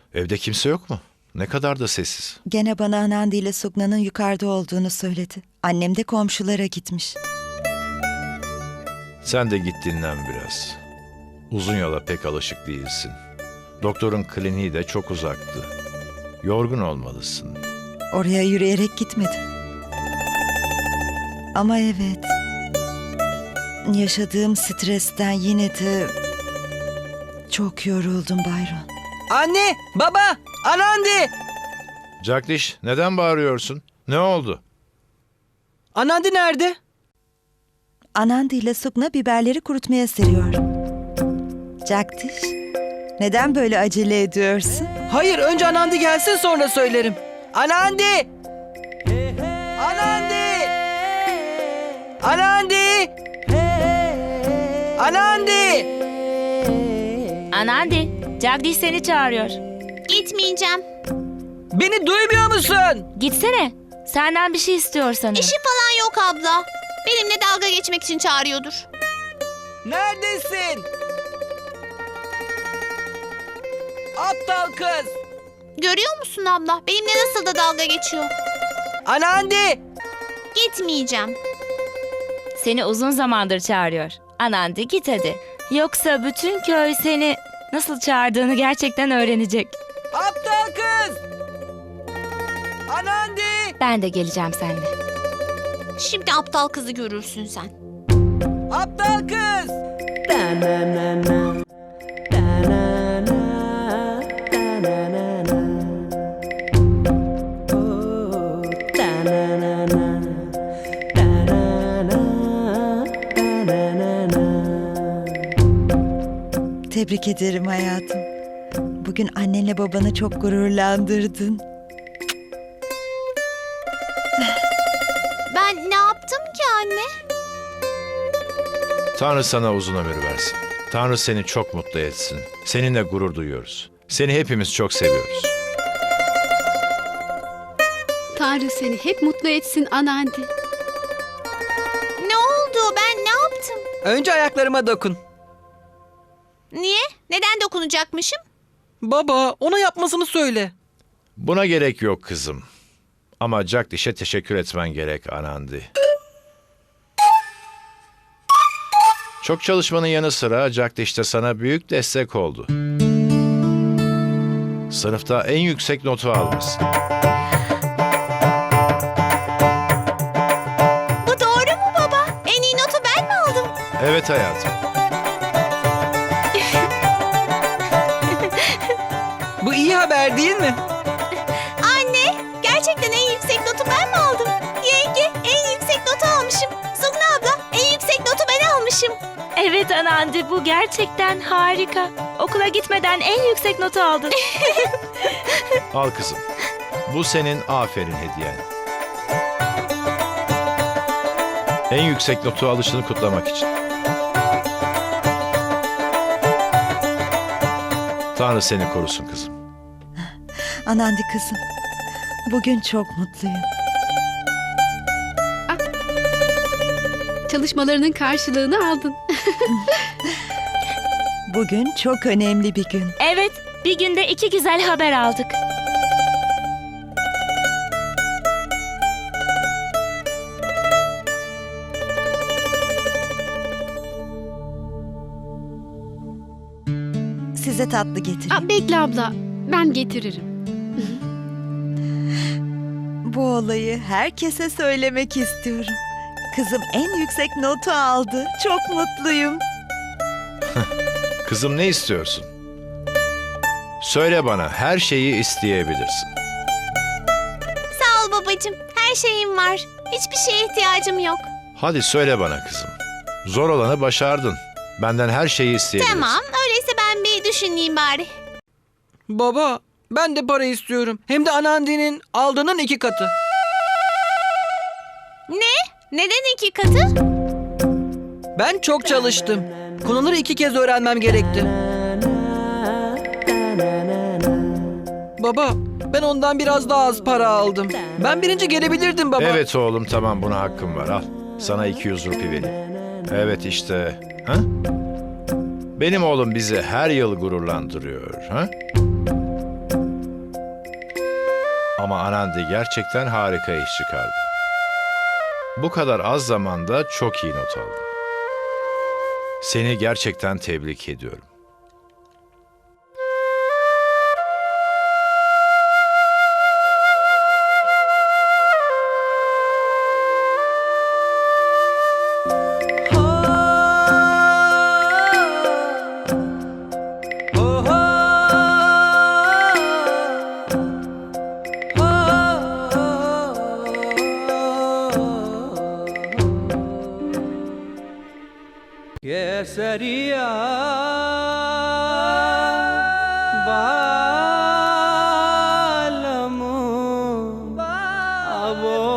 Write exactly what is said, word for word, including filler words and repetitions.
Evde kimse yok mu? Ne kadar da sessiz. Gene bana Anandi ile Sugna'nın yukarıda olduğunu söyledi. Annem de komşulara gitmiş. Sen de git dinlen biraz. Uzun yola pek alışık değilsin. Doktorun kliniği de çok uzaktı. Yorgun olmalısın. Oraya yürüyerek gitmedim. Ama evet, yaşadığım stresten yine de çok yoruldum Bayron. Anne, baba, Anandi! Jagdish, neden bağırıyorsun? Ne oldu? Anandi nerede? Anandi ile Sugna biberleri kurutmaya seriyor. Jagdish, neden böyle acele ediyorsun? Hayır, önce Anandi gelsin sonra söylerim. Anandi! Anandi! Anandi! Anandi! Anandi, Jagdish seni çağırıyor. Gitmeyeceğim. Beni duymuyor musun? Gitsene. Senden bir şey istiyor sanırım. İşi falan yok abla. Benimle dalga geçmek için çağırıyordur. Neredesin? Aptal kız! Görüyor musun abla? Benimle nasıl da dalga geçiyor. Anandi! Gitmeyeceğim. Seni uzun zamandır çağırıyor. Anandi git hadi. Yoksa bütün köy seni nasıl çağırdığını gerçekten öğrenecek. Aptal kız! Anandi! Ben de geleceğim seninle. Şimdi aptal kızı görürsün sen. Aptal kız! Tebrik ederim hayatım. Bugün annenle babanı çok gururlandırdın. Ben ne yaptım ki anne? Tanrı sana uzun ömür versin. Tanrı seni çok mutlu etsin. Seninle gurur duyuyoruz. Seni hepimiz çok seviyoruz. Tanrı seni hep mutlu etsin Anandi. Ne oldu? Ben ne yaptım? Önce ayaklarıma dokun. Niye? Neden dokunacakmışım? Baba, ona yapmasını söyle. Buna gerek yok kızım. Ama Jagdish'e teşekkür etmen gerek Anandi. Çok çalışmanın yanı sıra Jagdish de sana büyük destek oldu. Sınıfta en yüksek notu almışsın. Bu doğru mu baba? En iyi notu ben mi aldım? Evet hayatım. Bu iyi haber değil mi? Anne, gerçekten en yüksek notu ben mi aldım? Yenge, en yüksek notu almışım. Sugna abla, en yüksek notu ben almışım. Evet Anandi, bu gerçekten harika. Okula gitmeden en yüksek notu aldın. Al kızım. Bu senin aferin hediyen. En yüksek notu alışını kutlamak için. Tanrı seni korusun kızım. Anandi kızım, bugün çok mutluyum. Çalışmalarının karşılığını aldın. Bugün çok önemli bir gün. Evet, bir günde iki güzel haber aldık. Size tatlı getireyim. Aa, bekle abla, ben getiririm. Bu olayı herkese söylemek istiyorum. Kızım en yüksek notu aldı. Çok mutluyum. Kızım ne istiyorsun? Söyle bana, her şeyi isteyebilirsin. Sağ ol babacığım. Her şeyim var. Hiçbir şeye ihtiyacım yok. Hadi söyle bana kızım. Zor olanı başardın. Benden her şeyi isteyebilirsin. Tamam, öyleyse ben bir düşüneyim bari. Baba, ben de para istiyorum. Hem de Anandi'nin aldığının iki katı. Ne? Neden iki katı? Ben çok çalıştım. Konuları iki kez öğrenmem gerekti. Baba, ben ondan biraz daha az para aldım. Ben birinci gelebilirdim baba. Evet oğlum, tamam, buna hakkım var, al. Sana iki yüz rupi vereyim. Evet işte. Ha? Benim oğlum bizi her yıl gururlandırıyor. Ha? Ama Anandi gerçekten harika iş çıkardı. Bu kadar az zamanda çok iyi not aldı. Seni gerçekten tebrik ediyorum.